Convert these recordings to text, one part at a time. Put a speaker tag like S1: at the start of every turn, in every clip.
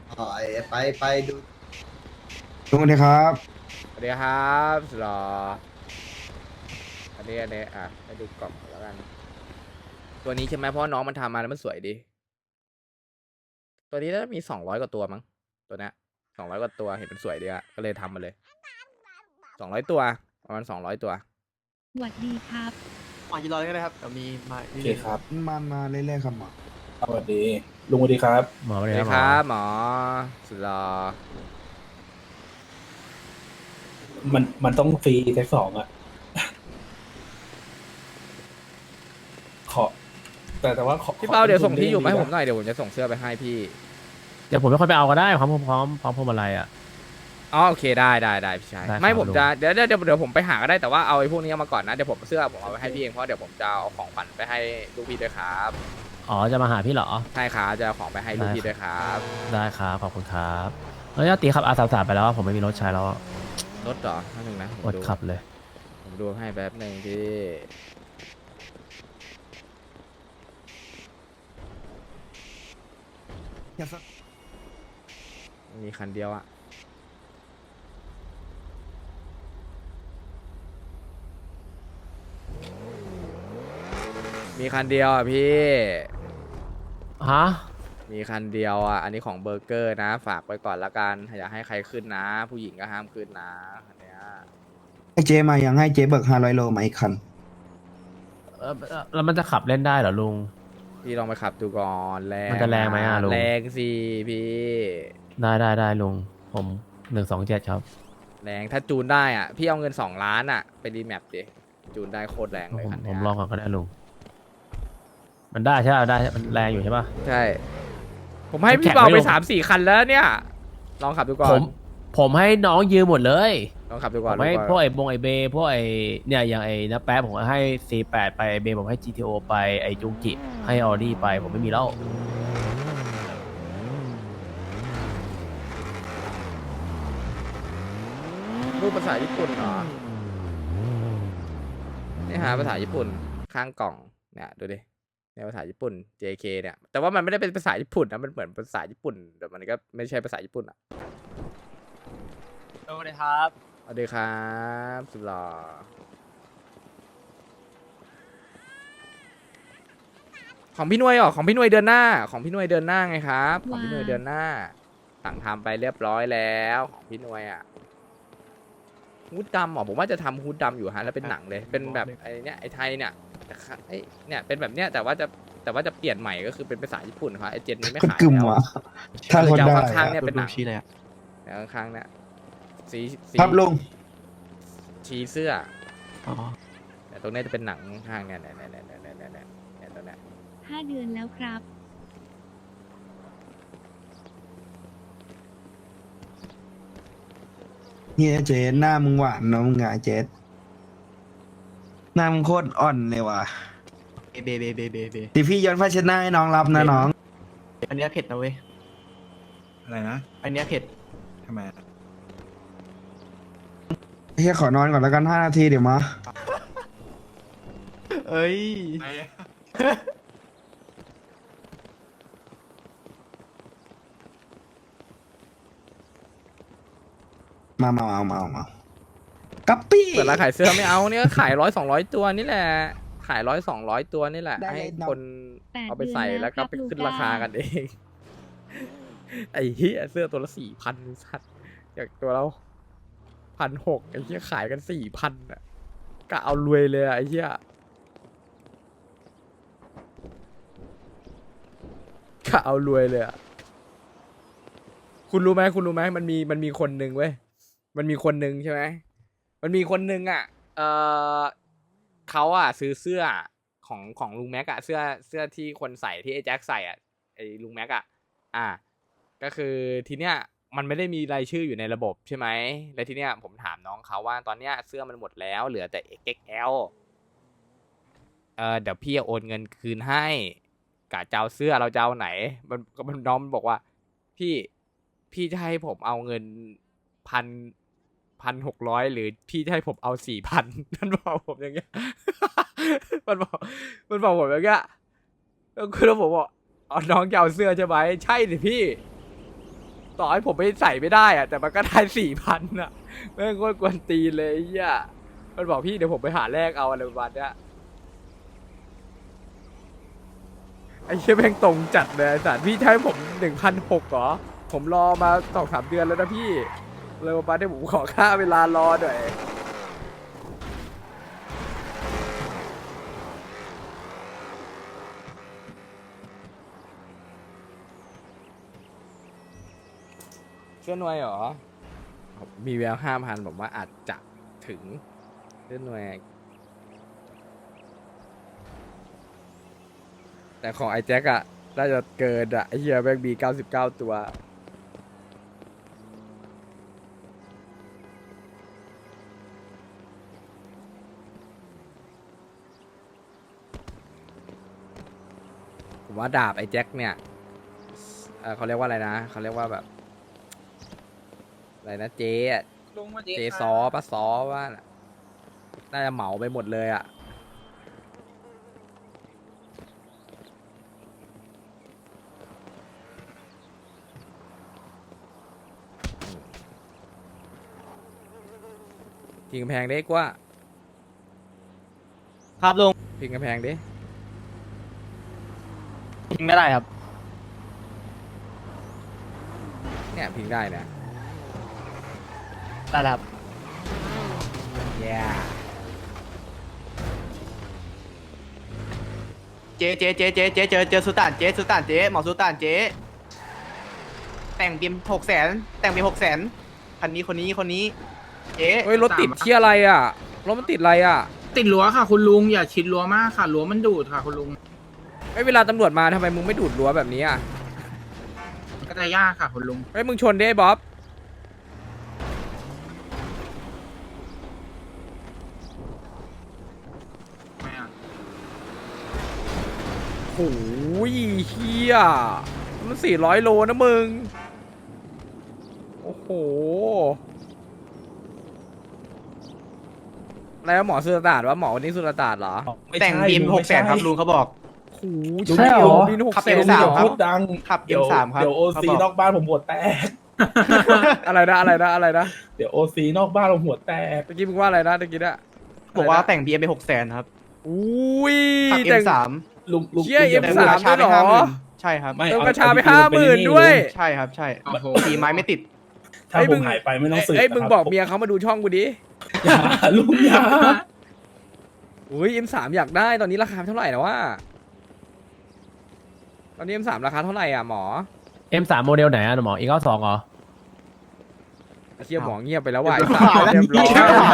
S1: อ๋อไปดู
S2: สวัสดีครับ
S3: สวัสดีครับสุดหรออันนี้อ่ะให้ดูกล่องก่อนแล้วกันตัวนี้ใช่ไหมเพราะว่าน้องมันทำมาแล้วมันสวยดีตัวนี้น่าจะมี200 กว่าตัวมั้งตัวเนี้ย200 กว่าตัวเห็นมันสวยดีอะก็เลยทำมาเลย200 ตัวประมาณ200 ตัว
S4: สวัสดีครับ
S5: หมอยืนรอเลยก็ได้ครับเดี๋ยวมีมา
S6: โอเคครับ
S2: มาเรื่อยๆครับหมอ
S6: สวัสดี ลุงสวัสดีครับ
S7: หมอไป
S3: ส
S7: ไห
S3: วัส
S7: น
S3: ดี
S7: นะหม
S3: ค
S7: อ
S3: รับหมอสุดหรอ
S6: มันต้องฟรีแท็กสองอ่ะ ขอ แต่ว่าขอ
S3: พี่เป้าเดี๋ยวส่งที่อยู่มาให้
S6: ข
S3: ผมหน่อยเดี๋ยวผมจะส่งเสื้อไปให้พี่
S7: เดี๋ยวผมไม่ค่อยไปเอาก็ได้พร้อมพวงมาลัยอ่ะ
S3: อ๋อโอเคได้พี่ชาย
S7: ได้ครับ
S3: ไม่ผม
S7: ลุง
S3: จะเดี๋ยวผมไปหาก็ได้แต่ว่าเอาไอ้พวกนี้เอามาก่อนนะเดี๋ยวผมเสื้อผมเอาไปให้พี่เองเพราะเดี๋ยวผมจะเอาของขวัญไปให้ลูกพี่ด้วยครับ
S7: อ๋อจะมาหาพี่เหรอ
S3: ใช่ครับจะเอาของไปให้ลูกพี่ด้วยครับ
S7: ได้ครับขอบคุณครับแล้วญาติขับR33ไปแล้วอะผมไม่มีรถใช้แล้วอะ
S3: รถเหรอนิดนึงนะผม
S7: อด
S3: ดู
S7: ขับเลย
S3: ผมดูให้แป๊บหนึ่งพี่มีคันเดียวอะมีคันเดียวอะพี่
S7: ฮะ
S3: มีคันเดียวอ่ะ อันนี้ของเบอร์เกอร์นะ ฝากไว้ก่อนละกัน อย่าให้ใครขึ้นนะ ผู้หญิงก็ห้ามขึ้นนะอันเนี้ย
S2: ให้เจมายังให้เจเบิก500 โลมาอีกคัน
S7: แล้วมันจะขับเล่นได้เหรอลุง
S3: พี่ลองไปขับดูก่อนแรง
S7: มันจะแรงไหมอะลุง
S3: แรงสิพี่
S7: ได้ลุงผม127ครับ
S3: แรงถ้าจูนได้อ่ะ พี่เอาเงิน2 ล้านอ่ะ ไปรีแมปดิ จูนได้โคตรแรงเลย
S7: ผม
S3: คัน
S7: ผ
S3: เนี้
S7: ม
S3: ย
S7: ลองก่อนก็ได้ลุงมันได้ใช่ไหมได้มันแรงอยู่ใช่ปะ
S3: ใช่ ผมให้
S7: แข่
S3: พี่
S7: ง
S3: เบา
S7: ไม่
S3: ไป
S7: ลง
S3: 3-4 คันแล้วเนี่ย ลองขับดูก่อ
S7: ผ
S3: น
S7: มให้น้องยืมหมดเลย
S3: ลองขับดู
S7: ผ
S3: ก่อน
S7: มให้
S3: ดูก่อน
S7: พวกไอ้บงไอ้เบพวกไอ้เนี่ยอย่างไอ้นะแป๊บผมให้ C8 ไปไอ้เบผมให้ GTO ไปไอ้จุงกิให้ออดี้ไปผมไม่มีแล้ว
S3: รูปภาษาญี่ปุ่นเหรอนี่หาภาษาญี่ปุ่นข้างกล่องเนี่ยดูดิในภาษาญี่ปุ่น JK เนี่ยแต่ว่ามันไม่ได้เป็นภาษาญี่ปุ่นนะมันเหมือนภาษาญี่ปุ่นแต่มันก็ไม่ใช่ภาษาญี่ปุ่นอ่ะ
S5: สวัสดีครับ
S3: สวัสดีครับสุดหล่อของพี่หน่วยเหรอของพี่หน่วยเดือนหน้าของพี่หน่วยเดือนหน้าไงครับของพี่หน่วยเดือนหน้าสั่งทำไปเรียบร้อยแล้วของพี่หน่วยอ่ะฮูดดำเหรอผมว่าจะทำฮูดดำอยู่ฮะแล้วเป็นหนังเลยเป็นแบบไอ้เนี้ยไอ้ไทยเนี่ยแต่ไอ้เนี่ยเป็นแบบเนี้ยแต่ว่าจะเปลี่ยนใหม่ก็คือเป็นภาษาญี่ปุ่นครับไอ้เจนนี้ไม่
S2: คน
S3: ขาย
S2: กึ่ม
S3: แล้ว
S2: วะถ้าคน
S3: จะ
S2: ได้
S3: เอาข้างๆเนี่ยเป็นหนัง
S5: ชี้เลยอ่ะ
S3: แล้วข้างๆเนี่ยสี
S2: ครับลุง
S3: ชี้เสื้อ
S5: อ๋อ
S3: แต่ตรงเนี้ยจะเป็นหนังข้างเนี่ยเนี่ยตรงเนี้ย
S4: 5 เดือนแล้วครับ
S2: เฮียเจหน้ามึงหวานเนอะมึงอะเจหน้ามึงโคตรอ่อนเลยว่ะ
S5: เบเบ
S2: ดิพี่ย้อนผ้าเช็ดหน้าให้น้องรับนะน้อง
S5: อันเนี้ยเผ็ดนะเว้ย
S1: อะไรนะ
S5: อันเนี้ยเผ็ด
S1: ทำไม
S2: เฮียขอนอนก่อนแล้วกัน5 นาทีเดี๋ยวมา
S5: เอ้ย
S2: มากัปปี้
S3: เปิดร้านขายเสื้อไม่เอาเนี่ยขาย100-200 ตัวนี่แหละขาย100-200 ตัวนี่แหละ
S2: ได้
S3: ให้
S2: น้อง
S3: คนเอาไปใส่แล้วก็ไปขึ้นราคากันเอง ไอ้เหี้ยเสื้อตัวละ4,000สัตว์จากตัวเรา1,600ไอ้เหี้ยขายกัน4,000อ่ะก็เอารวยเลยอะไอ้เหี้ยก็เอารวยเลยอะคุณรู้ไหมมันมีคนหนึ่งเว้ยมันมีคนหนึ่งใช่ไหมมันมีคนหนึ่งอ่ะเขาอ่ะซื้อเสื้อของลุงแม็กอะเสื้อที่คนใส่ที่ไอ้แจ็คใส่อ่ะไอ้ลุงแม็กอะก็คือทีเนี้ยมันไม่ได้มีรายชื่ออยู่ในระบบใช่ไหมแล้วทีเนี้ยผมถามน้องเขาว่าตอนเนี้ยเสื้อมันหมดแล้วเหลือแต่ XXL เดี๋ยวพี่โอนเงินคืนให้กะจะเอาเสื้อเราจะเอาไหนมันน้องมันบอกว่าพี่จะให้ผมเอาเงิน1,600หรือพี่จะให้ผมเอา4,000มันบอกผมอย่างเงี้ย มันบอกผมอย่างเงี้ยแล้วคือผมบอกอ๋อน้องจะเอาเสื้อใช่ไหมใช่สิพี่ต่อให้ผมไม่ใส่ไม่ได้อะแต่มันก็ได้4,000อะแม่งโคตรกวนตีนเลยไอ้เหี้ยมันบอกพี่เดี๋ยวผมไปหาแลกเอาอะไรประมาณเนี้ยไอ้เหี้ยแม่งตรงจัดเลยไอ้สารพี่ใช้ผม1,600เหรอผมรอมา2-3 เดือนแล้วนะพี่เลยประมาณนี้ผมขอค่าเวลารอหน่อยเชื่อหน่วยเหรอมีแวว5,000ผมว่าอาจจะถึงเชื่อหน่วยแต่ของไอ้แจ็คอะน่าจะเกินอะไอ้เฮียแม่งมี99 ตัวผมว่าดาบไอ้แจ็คเนี่ยเขาเรียกว่าอะไรนะเขาเรียกว่าแบบอะไรนะเจ๊อะเจ๊ซอปะซอว่าน่ะน่าจะเหมาไปหมดเลยอะพิงกำแพงได้กว่า
S5: ครับลุง
S3: พิงกำแพงดิ
S5: ยิงไม่ได้ครับ
S3: เนี่ยพิงได้เนี่ย
S5: ได้ครับ
S3: yeah
S5: เจ๊เจอสุตานเจ๊หมอสุตานเจ๊แต่งบีม600,000แต่งบีม600,000คันนี้คนนี้เจ๊
S3: เฮ้ยรถติดเที่ยอะไรอ่ะรถมันติดอะไรอ่ะ
S8: ติดรั้วค่ะคุณลุงอย่าชิดรั้วมากค่ะรั้วมันดูดค่ะคุณลุง
S3: ไอ้ยเวลาตำรวจมาทำไมมึงไม่ดูดรั้วแบบนี้อ่ะ
S8: ก็จะยากค่ะคุณลุง
S3: ไอ้ยมึงชนดิไอ้บ๊อบโอ้ยเฮียมัน400 โลนะมึงโอ้โหอะไรวะหมอสุรตาดวะหมอวันนี้สุรตาดเหรอ
S5: แต่งบีม600,000ครับลุงเขาบอก
S3: โอ้โห
S6: ใช่เหรอ
S3: บิน
S5: ขับ
S3: 600
S5: M3
S6: อย่า
S5: ครับ
S6: พูดดัง
S5: ขับ
S6: เดี๋ยว
S5: M3 ครับ
S6: เดี๋ยวโอ
S5: เขา
S6: ซี
S5: บอก
S6: นอกบ้านผมหัวแตก
S3: อะไรนะ
S6: เดี๋ยวโอซีนอกบ้านผมหัวแตก
S3: ตะกี้มึงว่าอะไรนะตะกี้อะ
S5: บอกว่าแต่งบีมไป600,000ครับ
S3: อุ้ย
S5: ขับ
S3: แต่ง
S5: M3
S6: ลุง
S3: เชี่ย
S6: ลุง
S3: M3
S5: แต่ราคาไป
S3: ด้วยเหรอ
S5: 50,000ใช่ครับ
S6: ไม่
S3: เติม
S6: เอา
S3: กระชาไป
S6: เอา
S3: 50,000ด้วย
S5: ใช่ครับใช่
S8: โอ้โห
S5: ตีไม้ไม่ติด
S6: ถ้า
S3: เอ้ย
S6: ผ
S3: มึ
S6: ม
S3: ง
S6: หายไปไม่ต้องสืบ
S3: เอ้ยมึง
S6: นะครับ
S3: บอกเมียเขามาดูช่องกูดิ
S6: อย่าลุงอย่า
S3: อุ้ย M3 อยากได้ตอนนี้ราคาเท่าไหร่นะวะตอนนี้ M3 ราคาเท่าไหร่อ่ะหมอ
S7: M3 โมเดลไหนอะหมอ E92 เหรอ
S3: เชี่ยหมอเงียบไปแล้วว่ะไอ้สัตว์เรียบร้อย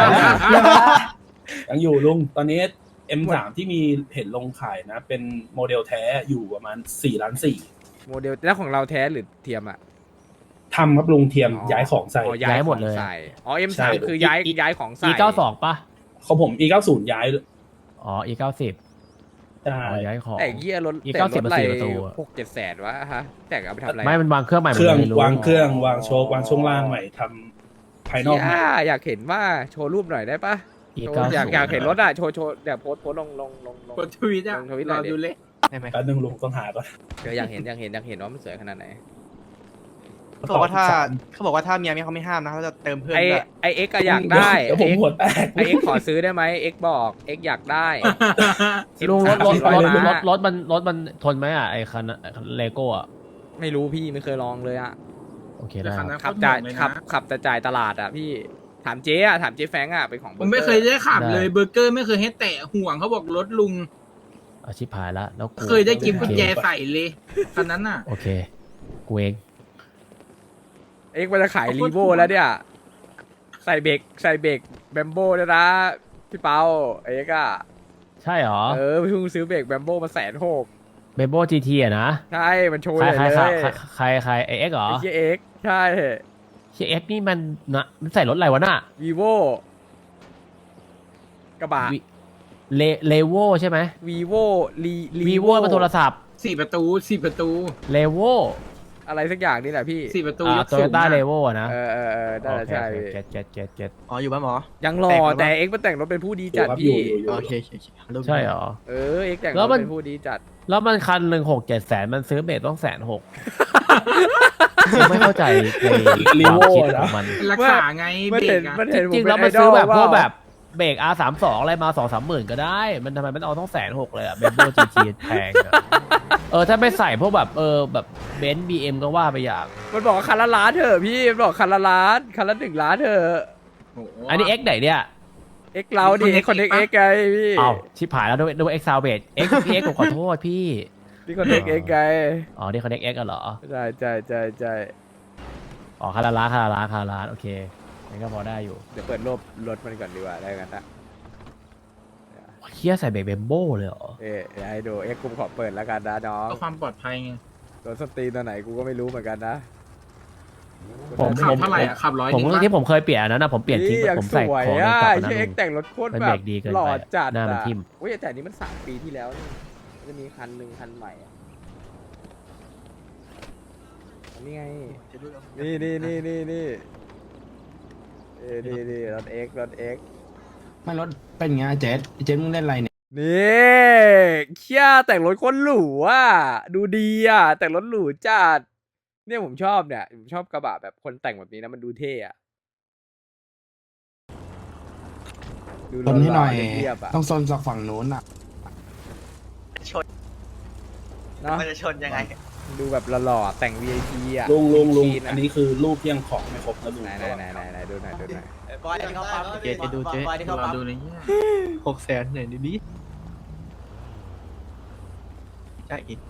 S6: ยังอยู่ลุงตอนนี้ M3 ที่มีเห็นลงขายนะ เป็นโมเดลแท้อยู่ประมาณ4 ล้าน 4
S3: โมเดลแล้วของเราแท้หรือเทียมอ่ะ
S6: ทำครับลุงเทียมย้ายของใส่
S3: อ๋อ
S7: ย้ายหมดเลย
S3: ของใส่อ๋อ M3
S6: ใช่
S3: คือย้ายของใส่
S7: E92 ป่ะ
S6: ของผม E90 ย้าย
S7: อ๋อ E90
S6: ใช่
S7: อ๋อย้ายของ
S3: แต่เหี้ยรถ
S7: อีก
S3: แต่รถ
S7: 90
S3: อะไร
S7: 4 ประตูอะ
S3: 6-7 แสนวะฮะแต่เอาไปทำอะไร
S7: ไม่มันวางเครื่องใหม่หม
S6: เค
S7: ด
S6: รื่อง
S7: เลยลุ
S6: วางเครื่องวางโชว์วางช่วงล่างใหม่ทำภายนอกใหม่
S3: อยากเห็นว่าโชว์รูปหน่อยได้ปะโชว์
S7: E90
S3: อยากเห็นรถอ่ะโชว์เดี๋ยวโพสต์ลง
S8: กดทวิตอ่ะ
S3: ลงทวิตหน่
S8: ร
S3: อ
S8: อย
S3: ดิ
S8: ดูเลย
S5: ได้ไหม
S6: แป๊บนึงลุงต้องหาก่อน
S3: เดี๋ยวอยากเห็นว่ามันสวยขนาดไหน
S5: เขาบอกว่าถ้าเมียเขาไม่ห้ามนะเขาจะเติมเพิ่ม
S3: ไอ
S5: ด้วย
S3: ไอเอ็กก็อยากได้
S6: เดี๋ยวผมหัวแตก
S3: ไอเอ็กขอซื้อได้ไหมเอ็กบอกเอ็กอยากได้
S7: ลุงรถ
S3: M3
S7: รถมันทนไหมอ่ะไอ้คันเลโก้อ่ะ
S3: ไม่รู้พี่ไม่เคยลองเลยอะ
S7: โอเคได้ครับ
S3: ขับจ่ายขับแต่จ่ายตลาดอะพี่ถามเจ๊อะถามเจ๊แฟงอะเป็นของ
S8: ผมไม่เคยได้ขับเลย
S7: ได้
S8: เบอร์เกอร์ไม่เคยให้แตะห่วงเขาบอกรถลุง
S7: อาชีพหายละแล้วกู
S8: เคยได้กินกุญแจ
S7: โอเค
S8: ใส่เลยคันนั้นน่ะ
S7: โอเคกูเอง
S3: เอ็กมันจะขายรีโวแล้วเนี่ยใส่เบรกแบมโบ้ด้วยนะพี่เปาเอ็กอะ
S7: ใช่เหรอ
S3: เเพิ่งซื้อเบรกแบมโบ้มา160,000
S7: เบโบ GT อ่ะนะ
S3: ใช่มันโชว์
S7: ใคร
S3: ใหญ่
S7: ใคร
S3: เลย
S7: ใครไอเอ็กเหรอ
S3: ไอ้เจ๊เอ็กใช่
S7: เชี่ยเอ็กนี่มันนะมันใส่รถอะไรวะน่ะ
S3: วีโวกระบะ
S7: เลโวใช่ไหม
S3: วีโว
S7: วีโวเป็นโทรศัพท์
S8: 4 ประตู
S7: เลโว
S3: อะไรสักอย่างนี่แหละพี่
S8: 4 ประตูยก
S7: โต
S8: สู
S7: โย
S8: ง
S7: ต้า
S8: อะ
S7: เลโวนะ
S3: เออได้แล้วใช่พี่
S7: เก็ต
S5: อ๋ออยู่บ้านหมอ
S3: ยังหล่อ
S5: แต่งแล้ว
S3: แต่เอ็กซ์มาแต่งรถเป็นผู้ดี
S6: อยู่
S3: จัด
S6: ครับอยู่
S3: พี่
S6: อยู่อยู่
S5: โอเคโอเคโอเครูป
S7: ใช่เหรอ
S3: เอ็กซ์แต่ง
S7: แล้
S3: ร
S7: ว
S3: ถ
S7: มัน
S3: เป็นผู้ดีจัด
S7: แล้วมันคันหนึ่ง6-7 แสนมันซื้อเบรกต้อง160,000ไม่เข้าใจในความคิดของมัน
S8: รักษาไง
S3: มัน
S8: เบร
S3: เห็
S8: ก
S3: น
S8: อะ
S3: มันเห็น
S7: จริงๆแล้วมันซื้อแบบพวกแบบเบรก R32 อะไรมา2-3 หมื่นก็ได้ มันทำไมมันเอาต้อง160,000เลยอะเบนโบจีทีแพงอะถ้าไม่ใส่พวกแบบแบบเบนซ์บีเอ็มก็ว่าไปอย่าง
S3: มันบอกว่าคันละล้านเถอะพี่มันบอกคันละล้านคันละ1 ล้านเถอะ
S8: โอ้โห
S7: อันนี้ X ไหนเนี่ย
S3: เอ็กซ์เราดิ
S8: มี
S3: คนเอ็ก
S8: ปะ
S3: ซ์ไงพี่
S7: เอาชิบหายแล้วดู X Salvage X พี่ X ผมขอโทษพี่
S3: นี่คนเอ็กซ์ไง
S7: อ๋อนี่เขาเรียก X กันเหรอ
S3: ใช่
S7: อ๋อคาราล้านโอเคงั้นก็พอได้อยู่
S3: เดี๋ยวเปิดรูปรถมันก่อนดีกว่าได้กันนะ
S7: เฮียใส่เบรกเบมโบ้เลยเหรอ
S3: เดี๋ยวให้ดูเอ็กซ์กูขอเปิดแล้วกันนะน้อง
S8: เพื่อความปลอดภัยไง
S3: รถสตรีตัวไหนกูก็ไม่รู้เหมือนกันนะ
S7: ผม
S8: ขับเท่าไหร่อะขับ100
S7: ผม
S8: จริงปะ
S7: ที่ผมเคยเปลี่ยนอันนั้นนะผมเปลี่ยนทิ้ง
S3: นี่ยัง
S7: ผม
S3: ส
S7: ใส่
S3: วย
S7: ของใน
S3: อ่ะ
S7: กล่อง
S3: ไอ้
S7: นั้น
S3: เอ็กซ์แต่งรถโคตร
S7: มัน
S3: แบ
S7: เบร
S3: บ
S7: กดีเกิน
S3: หล่อ
S7: ไป
S3: จัด
S7: หน้ามัน
S3: อ่ะ
S7: ทิ่ม
S3: อุ้ยแต่อันนี้มัน3 ปีที่แล้วนี่มันจะมีคันหนึ่งคันใหม่อ่ะอันนี้ไง นี่รถเอ็กซ์
S2: ไม่รถเป็นไงเจ๊เจ๊มึงเล่นอะไรเนี่ย
S3: นี่เคียแต่งรถคนหรูอ่ะดูดีอ่ะแต่งรถหรูจัดเนี่ยผมชอบเนี่ยผมชอบกระบะแบบคนแต่งแบบนี้นะมันดูเท่อะดู
S2: ชนให้หน่อย
S3: เรียบๆอ่ะ
S2: ต้องโซนจากฝั่งโน้นอ่ะ
S5: ชน
S3: เนาะ
S5: มันจะชนยังไง
S3: ดูแบบหล่อๆแต่ง VIP อ่ะ
S6: ลุง
S3: คลีะ
S6: อันนี้คือรูปที่ยังของไม่ครบนะลุง
S3: ไหนดูหน่อย
S5: บอยที่เขาปั๊มเจ๊จะดูเจ๊
S8: เราดูเลยเนี่ย
S5: 600,000ไหนดูดิใช่อีก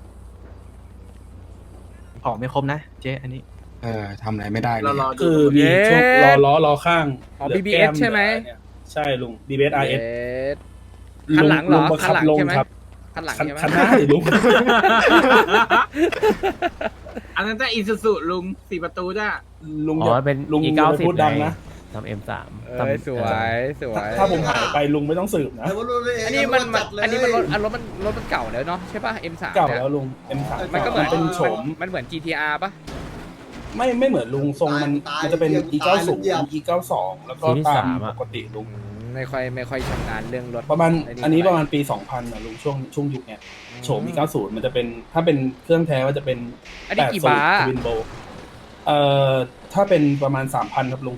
S5: ของไม่ครบนะเจ๊อันนี้
S2: ทำอะไรไม่ได้เล
S8: เรา
S2: ย
S8: รอดู
S6: คือมีช่วงล้อข้าง
S3: อ๋อ
S6: เหลื
S3: BBS
S6: แก้
S3: ใช่ไหม
S6: เลือเนี่ยใช่ลุง BBS RS
S3: คันหลังเหรอ
S6: บัง
S3: คั
S6: คั
S3: น
S6: บ
S3: หลัง
S6: ลง
S3: ใช่ไหม
S6: ครับ
S3: คันหลัง
S6: คัน
S3: ใช่ไหม
S6: คันหน้าดิลุง
S8: อันนั้นจะอิซูซุลุง4 ประตูจ้ะ
S6: ลุง
S7: อ๋
S6: อย่า
S7: อเป็น
S6: ลุง
S7: E
S6: อย่าไป
S7: 90
S6: พูดดังนะ
S7: ทำ M3
S3: สวย
S6: ถ้าผมหายไปลุงไม่ต้องสืบนะ
S3: อันนี้มันรถมันเก่าแล้วเนาะใช่ป่ะ M3
S6: เก่า
S3: เนี่ย
S6: แล้วลุง M3
S3: มันก็เหมือน
S6: เป็นโฉม
S3: มันเหมือน GTR ป่ะ
S6: ไม่เหมือนลุงทรงมันจะเป็น E90 E92 แล้วก็ตามปกติลุง
S3: ไม่ค่อยชำนาญเรื่องรถ
S6: ประมาณ
S3: ไ
S6: อันนี้ประมาณปี 2000นะลุงช่วงยุคเนี้ยโฉม E90 มันจะเป็นถ้าเป็นเครื่องแท้ก็จะเป็น
S3: อันนี้กี่บาท
S6: ทวินโบถ้าเป็นประมาณ 3,000 ครับลุง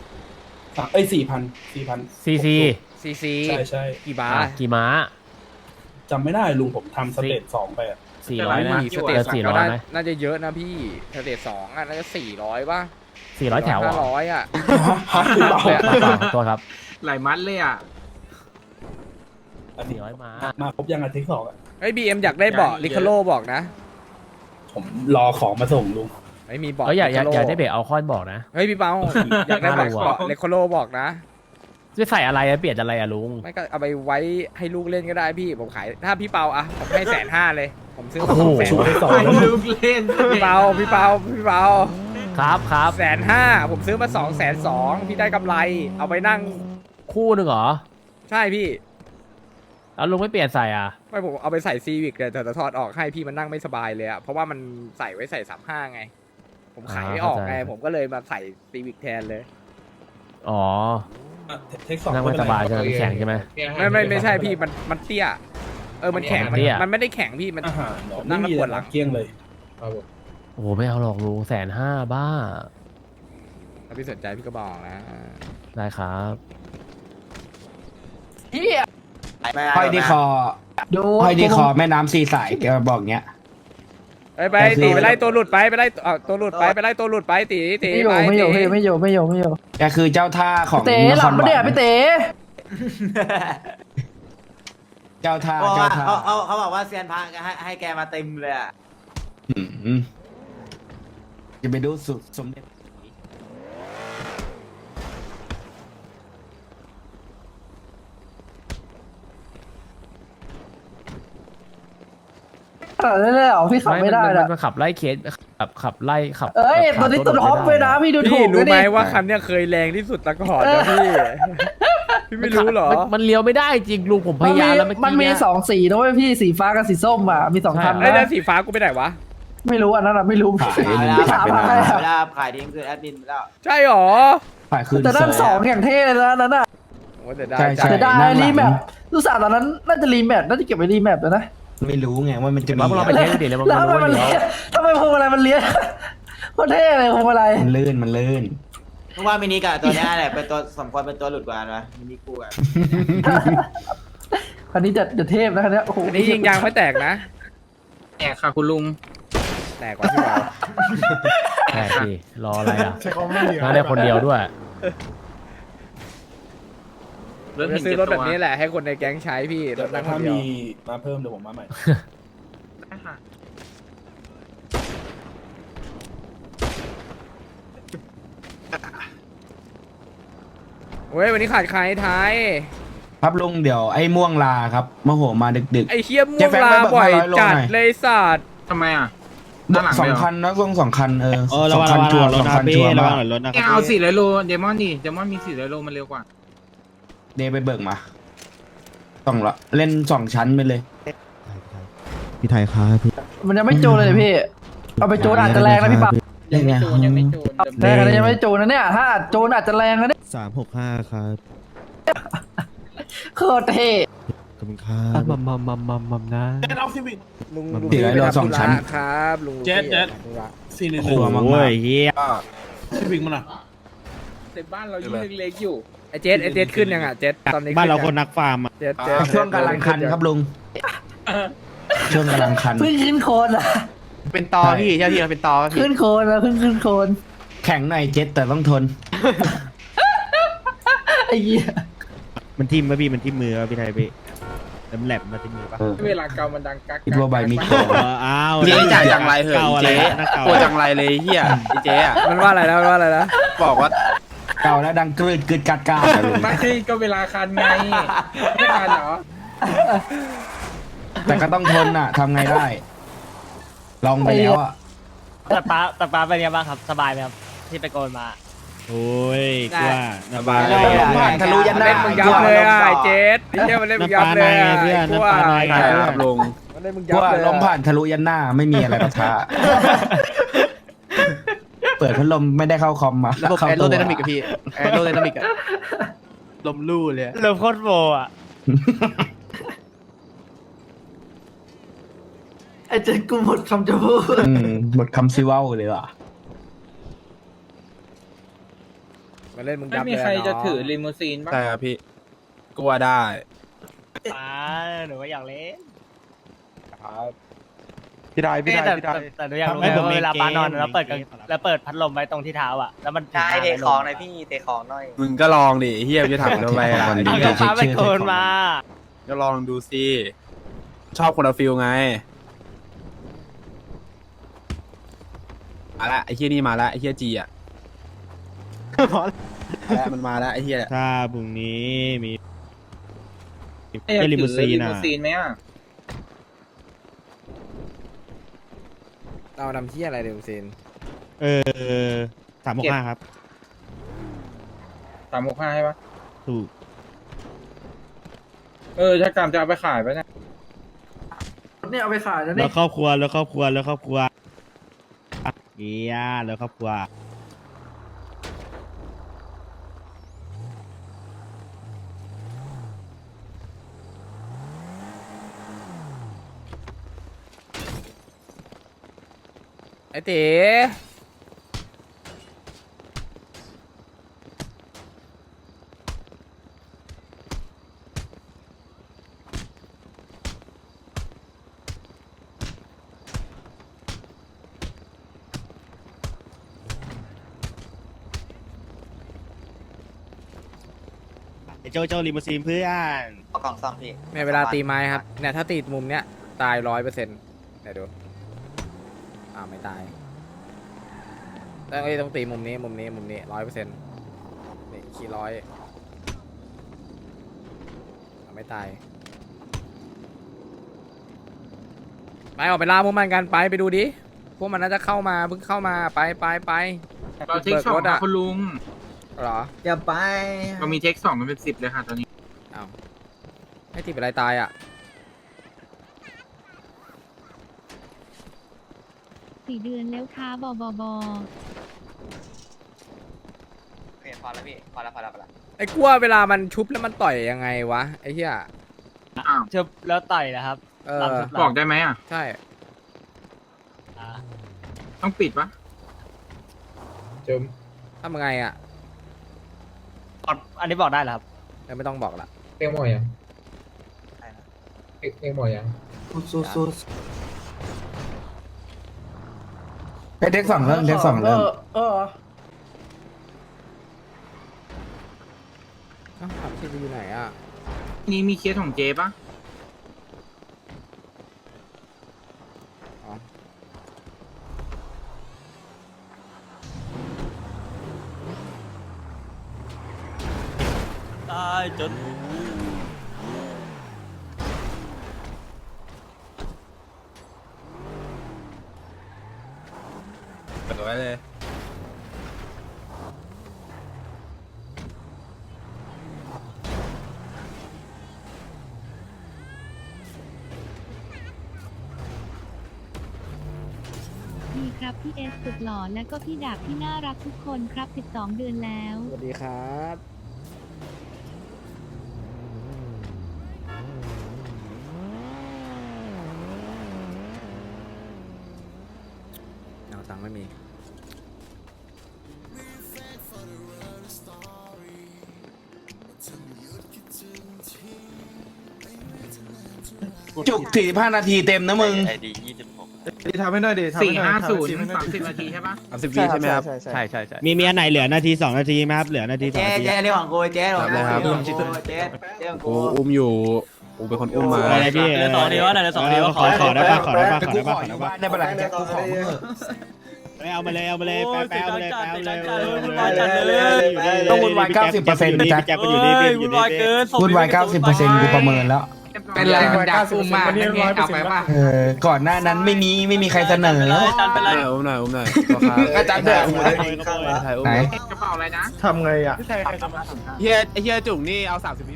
S6: 4,000
S7: CC
S3: CC
S6: ใช่
S3: กี่บาท
S7: กี่ม้า
S6: จำไม่ได้ลุงผมทำสเตจ2ไปอะ
S7: 400ไหม
S3: สเตจ
S7: 400
S3: ก็
S7: ไหม
S3: น่าจะเยอะนะพี่สเตจ2อ่ะน่าจะ400ป่ะ
S7: 400 แถวเหรอ
S3: 500อ่ะ
S6: ฮะหรือเปล่า
S7: ขอโทษครับ
S8: หลายมัดเลยอ่ะ
S6: อันนี้
S7: 400 ม้า
S6: มาครบยังอาทิตย์2อะ
S3: ไอ้ BM อยากได้เบาะลิคาโลบอกนะ
S6: ผมรอของมาส่งลุง
S3: ไม่มีเบาะ
S7: อยาก
S3: Recaro
S7: ได้เบรกเอาคอนบอกนะ
S3: เฮ้ยพี่เปาอยากได้เบาะ
S7: น่ารัว
S3: เบาะลิคาโลบอกนะ
S7: จะใส่อะไรเปลี่ยนอะไรอะลุง
S3: ไม่ก็เอาไปไว้ให้ลูกเล่นก็ได้พี่ผมขายถ้าพี่เปาอะผมให้150,000เลยผมซื้อมา
S7: โอ้โห
S3: 200,000
S6: ช่วยสอน
S8: ให้
S6: แล้ว
S8: ลูกเล่น
S3: พี่เปา
S7: ครับ
S3: 150,000ผมซื้อมา220,000พี่ได้กำไรเอาไปนั่ง
S7: คู่หนึ่งเหรอ
S3: ใช่พี่
S7: แล้วลุงไม่เปลี่ยนใส่อ่ะ
S3: ไม่ผมเอาไปใส่ซีวิกแต่ถอดออกให้พี่มันนั่งไม่สบายเลยอะเพราะว่ามันใส่ไว้ใส่35ไง ผมขายไม่ออกไง
S7: เข้าใจ
S3: ผมก็เลยมาใส่ซีวิกแทนเลย
S7: อ๋อ
S6: เทคสอง
S7: นั่งไม่สบายใช่ไหมแข็งใช่ไหม
S3: ไม่ใช่พี่มันเตี้ยมันแข็ง
S7: เตี้ย
S3: มันไม่ได้แข็งพี่มัน
S6: อาหารเหรอ
S3: นั่
S6: ไม่
S3: งแล้ว
S6: มี
S3: ปวดหลัง
S6: เกลี้ยงเลย
S7: โอ้โหไม่เอาหรอกลุง150,000บ้า
S3: ถ้าพี่สนใจพี่ก็บอกนะ
S7: ได้ครับ
S2: ห้อยที่คอห้อยที่คอแม่น้ำสีสายแกบอกเงี้ย
S3: ไปตีไปไล่ตัวหลุดไปไล่ตัวหลุดไปไล่ตัวหลุดไปตี
S9: ไม่อยู่
S2: แกคือเจ้าท่าของ
S9: เต๋
S2: น
S9: ห
S2: ค
S9: ลับ
S2: ร
S9: ปะเนี่ยพี่เต๋
S2: เจ้าท่า
S5: เขาบอกว่าเซียนพระให้แกมาเต็มเลยอ่ะ
S2: จะไปดูสุดสมเด็จ
S9: ได้เลยเหรอพี่ขับไม่ได้
S7: มั
S9: นะ
S7: มันขับไล่เคสขับไล่ขับ
S9: เอ้ย
S7: ขับ
S9: ตัวนี้
S7: รถ
S9: ตัวท็อป
S7: ไม่
S9: เลย
S7: ได้
S9: นะพี่ดูถู
S3: พี่
S9: ก
S3: รู้ไหม
S9: นะ
S3: ว่าคันเนี้ยเคยแรงที่สุดตะก่อนนะพี่พี่ไม่รู้เหรอ
S7: มันเลี้ยวไม่ได้จริงลุงผมพ
S9: มัน
S7: ยายามแล้ว
S9: มันมี
S7: เอกี้
S9: 2 สีนะเว้ยพี่สีฟ้ากับสีส้มอ่ะมี2คัน
S3: ไอ้
S9: นะ
S3: แล้วสีฟ้ากูไปไหนวะ
S9: ไม่รู้อันนั้นอะไม่รู้
S2: ขาย
S9: พี่ถามอะไรอะ
S5: เวลาขายทิ้งคือแอดมินไปแล้ว
S3: ใช่หรอ
S2: ขายคืน
S9: แต่นั่น
S2: เซ
S9: ส
S2: อ
S9: อง
S2: ร์
S9: อย่างเท่เลยนะอันนั้นอะ
S3: โอ้แต่ได้
S2: ใช่ใช่
S9: จะได้
S2: นั่งหลัง
S9: รีแมปรู้สึกตอนนั้นน่าจะรีแมปน่าจะเก็บไว้รีแมปนะ
S2: ไม่รู้ไงว่ามันจะมี
S7: ว่าพวกเราไปเทสดิแล้วมัน
S9: แล้ว
S7: รู้
S9: ทำไม
S7: ว่า
S9: มัน
S7: เดี๋ยว
S9: เลี้ยทำไมพวงมาลัยมันเลี้ยโคตรเท่เลยพวงมาลัย
S2: มันลื่นมันลื่น
S5: เพราะว่ามินิกับตัวเนี้ยแหละเป็นตัวสมควรเป็นตัวหลุดกว่านะมินิกูอ่ะ
S9: คันนี้จะเทพนะคันนี้โอ้โห
S3: อันนี้ยิงยางไม่แตกนะ
S8: แอกค่ะคุณลุง
S3: แตกกว่าพี่บอล
S7: แปลกดิรออะไรอ่ะน่าได้คนเดียวด้วย
S8: เริ่ม
S3: จะ
S8: เห็น
S3: ซื้อ
S8: เก็บ
S3: รถ
S8: ตั
S3: แบ
S8: ว
S3: บนี้แหละให้คนในแก๊งใช้พี่ร
S6: เดี๋ยว
S3: ถนั่งค
S6: ถ้าน
S3: เดียว
S6: มีมาเพิ่มเดี๋ยวผมมาใหม่
S8: ได้ค่ะ
S3: เว้ยวันนี้ขาดใครไทย
S2: ครับลุงเดี๋ยวไอ้ม่วงลาครับมโหมาดึก
S3: ไอ้เคียม่
S2: เจ๊
S3: วง
S2: แฟง
S3: ลา
S2: ไปเบิก
S3: บ่อย
S2: 500โล
S3: จัด
S2: หน่อย
S3: เลยสัตว์
S8: ทำไมอ่ะ
S2: ๆ
S8: ด้านหลัง
S2: สอง
S8: เลยเหรอ
S2: คันนะวง2 คันสองคันชัวร์2 คันชัวร์มาก
S8: แกเอา400 โลเดมอนดิเดมอนมี400 โลมันเร็วกว่า
S2: เดย์ไปเบิกมาต้องละเล่น2 ชั้นไปเลย
S10: พี่ไทยครับพี่
S9: มันยังไม่โจนเลยพี่เอาไปโจนอาจจะแรงนะพี่ปั๊บ
S2: เล่นไง
S8: ยังไม่จูน
S9: แรงนะยังไม่โจนนะเนี่ยถ้าอาจโจนอาจจะแรงนะเนี่ย
S10: 365 ครับ
S9: โคตรเท่
S10: ขอบคุณครับ
S7: มัมนะ
S3: ลุง
S2: 400 โล
S3: ไปทำ
S2: 2 ชั้น
S3: ธุระครับลุง
S6: เจ๊
S3: ธุระ
S2: ครัวมาก
S10: เฮีย
S8: แต่บ้านเรายิ่งเล็กๆอยู่
S3: ไอ้เจสขึ้นยังอ่ะเจสตอนนี้
S10: บ้านเรา
S3: ขึ้
S10: คน
S3: ยัง
S10: นักฟาร์มอ่ะ
S3: เจส
S2: ๆช่วงกำลังคันครับลุงช่วงกำลังคัน
S9: เพิ่งขึ้นโคนอะ
S5: เป็นตอพี่เจ้าที่เราเป็นตอพี่
S9: ขึ้นโคนแล้วเพิ่งขึ้นโคน
S2: แข็งหน่อยเจ็ตแต่ต้องทน
S9: ไอ้เหี้ย
S10: มันทิ่มป่ะพี่มันทิ่มมือป่ะพี่ไทยพี่แหลมมาทิ่มมือป่ะ
S8: เวลาเกามันดังกัก
S2: คิดว่าใบมีโกง
S10: อ้าว
S5: เจ๊จ่ายจังไรเหอะ
S10: เก่าอะไรนักเก่า
S5: ตัวจังไรเลยเฮียไอ้เจ๊อะ
S3: มันว่าอะไรนะมันว่าอะไรนะ
S5: บอกว่า
S2: เก่าแล้วดังกรืดกึดกัดกาดอะลุง
S8: ไม่ก็เวลาคันไงไม่คันเหรอ
S2: แต่ก็ต้องทนอ่ะทำไงได้ ลองไปแล้วอ่ะ
S7: แต่ป้าเป็นยังบ้างครับสบายไหมครับที่ไปโกนมา
S10: โอ้ยกว่า
S5: สบาย
S2: ลมผ่านทะลุยันหน้า
S3: เล่นมึงยับเลยอ่ะไอ้เจสไอ้เหี้ยมันเล่นมึงยับเลยอ่ะ
S10: น้ำปลาในเพื่อน
S3: ไอ้พวก
S10: น้ำปลาใน
S3: ไอ้
S10: เพื่อน
S5: ครับลุง
S3: มันเล่นมึง
S2: เพ
S3: ยับ
S2: ราะว่า
S3: เลย
S2: ลมผ่านทะลุยันหน้าไม่มีอะไรปะทะ เปิดพัดลมไม่ได้เข้าคอมมา
S5: ระบบ
S2: เข้า
S5: แอโร
S2: ตัว
S5: ไดนามิกอะพี่แอโรไดนามิกอะลมลู่เลย
S7: เริ่มโคตรโบอ่ะ
S9: ไอ้เจ๊กูหมดคำจะพูด
S2: หมดคำซิเว่าเลยว่ะ
S3: มันเล่นมึง
S8: ไม่
S3: ยับ
S8: มี
S3: เลย
S8: ใครจะ
S3: เนา
S8: ถือลิมูซีนบ้าง
S5: ใช่ครับพี่กลัวได้
S7: ป้าหนูก็อยากเล่น
S5: พี่ได้พี่ได้
S7: แต่
S5: พี่ได้
S7: แต่หนูอยากรู้ไงว่าเวลาป้านอนแล้วเปิดพัดลมไว้ตรงที่เท้าอ่ะแล้วมัน
S5: ใช่เตะของหน่อยพี่เตะของหน่อยมึงก็ลองดิเฮียจะถามทำไมล่ะ
S2: วันนี้
S7: เอาป้าไปโกนมา
S5: ก็ลองดูสิชอบคนละฟิลไงมาละไอ้เฮียนี่มาละไอ้เฮียจีอะมาละมันมาละไอ้เฮีย
S10: ถ้าพรุ่งนี้มี
S8: ไอ้อยาก
S10: ลิ
S8: ถื
S10: มู
S8: อ
S10: ซี
S8: ลิ
S10: น
S8: มู
S10: อ่ะ
S8: ซีนไหมอ่ะ
S3: เอานำที่อะไรเดี๋ยวซีน
S10: 365 ครับ
S8: 365ใช่ปะ
S10: ถูก
S8: ถ้ากรรมจะเอาไปขายไปเนี่ย
S9: เนี่ยเอาไปขายแล้ว
S10: แล้
S9: นี่
S10: วครอบครัวแล้วครอบครัวแล้วครอบครัวเกียแล้วครอบครัว
S3: ไอ้เต๋
S10: โจลิมูซีนเพื่อน
S5: เอากล่องซ่อมพี่
S3: ในเวลาตีไม้ครับเนี่ยถ้าตีมุมเนี้ยตาย100%เดี๋ยวดูไม่ตายต้องตีมุมนี้100%นี่ขี้ร้อยไม่ตายไปออกไปล่าพวกมันกันไปดูดิพวกมันน่าจะเข้ามาเพิ่งเข้ามาไป
S8: เราเทคสองนะคุณลุง
S3: เหรอ
S1: อย่าไป
S8: เรามีเทคสองกันเป็น10เลยค่ะตอนนี้
S3: อ้าวให้ตีเป็นไรตายอ่ะ
S4: 4 เดือนแล้วค่ะบอบอบอ
S5: โอเคพอแล้วพี่พอแล้ว
S3: ไอ้กลัวเวลามันชุบแล้วมันต่อยยังไงวะไอ้เหี้ย
S8: อ้าว
S7: ชุบแล้วต่อยนะครับ
S3: เออ
S8: บอกได้ไหมอ่ะ
S3: ใช่
S8: ต้องปิดปะ
S3: ทำยังไงอ่ะ
S7: อันนี้บอกได้เหรอครับ
S3: ไม่ต้องบอกละ
S1: เอ็งหมอยังเอ็งหมอยัง
S2: ไปเด็กสองเริ่มเด็กสองเริ่ม
S3: อ้าวขับที่อยู่ไหนอ่ะ
S8: นี่มีเคสของเจปะ
S3: อ๋อ
S7: ตายจน
S1: เปิดไว้เลย
S4: ดีครับพี่เอสสุดหล่อและก็พี่ดาบที่น่ารักทุกคนครับ12 เดือนแล้ว
S3: สวัสดีครับเอาตังค์ไม่มี
S2: จุก45 นาทีเต็มนะมึง
S1: ทำให้หน่อยดิ
S8: 450 30 นาทีใช่ปะ
S3: 30 วิใช่ไหมครับ
S7: ใช่ใช่
S10: มีอันไหนเหลือนาที2 นาทีไหมครับเหลือนาที2 นาที
S5: เรื่องของกูเจ๊ของกู
S1: ครับ
S5: เรื่องของกู
S1: อุ้มอยู่กูเป็นคนอุ้มมา
S10: อะไรพี่เหลือ2 นาทีวะเหลือ2 นาทีวะขอได้ป่ะขอได้ป่ะ
S2: แต่กูขออยู่บ้านได้ปะล่ะแจ็คกูขอมึงเถอะ
S10: เอามาเลยแป๊บเลย
S2: ต้องวุ่นวาย 90%นะจ๊ะ
S10: แจ็คมันอยู่นี่พี่อยู่นี่
S2: วุ่นวาย 90%กูประเมินแล้ว
S8: เป็นไรมันดักอุ้มมากนั่นไงเอาไปป่ะ
S2: ก่อนหน้านั้นไม่มีใครเสนอ
S1: อุ้มหน่อย
S2: ก็จัดเดือด ไหน
S8: กระเป๋าอะไรนะ
S1: ทำไงอ่ะเฮียจุ่งนี่เอา30 วิ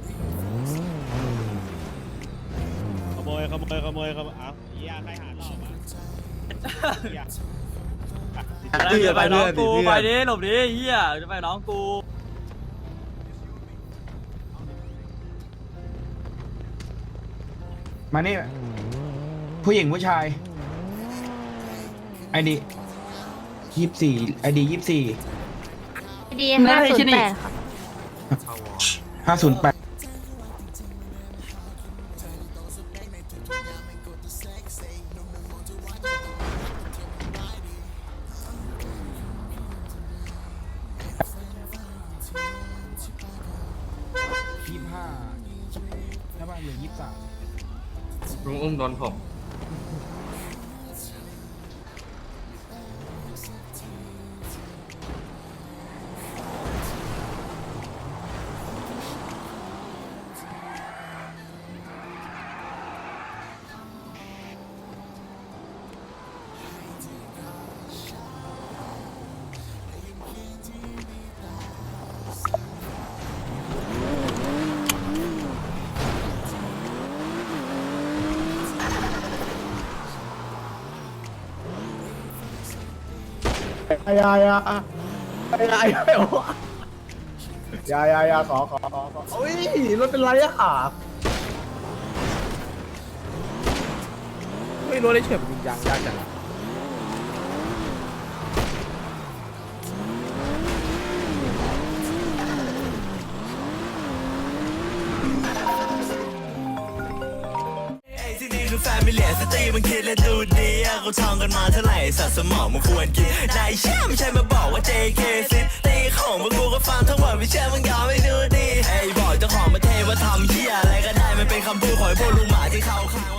S10: ขโมยเอาเหี้ยใครหาหลอกวะ
S7: จะไปน้องกูไปดิหลบดิเฮียจะไปน้องกู
S2: มานี่ ผู้หญิงผู้ชายไอดี24ไอดี24
S4: ดี508ค่ะ
S2: 508แล้วมาเหลือ23
S8: ลุงอุ้มโดนผม
S3: ไม่รู้ได้เฉยมันยิงยางยากจัง
S11: ที่นี่คือแฟมิเลียสตรีมันคิดและดูดีเขาท่องกันมาเท่าไหร่สัตว์สมองมันควรกินนายเชื่อไม่ใช่มาบอกว่า JK ซิตีของพวกกูก็ฟังทั้งหมดไม่เชื่อมึงยอมไม่ดูดีไอ้บอกเจ้าของประเทศว่าทำเหี้ยอะไรก็ได้มันเป็นคำพูดของพวกลุงหมาที่เขา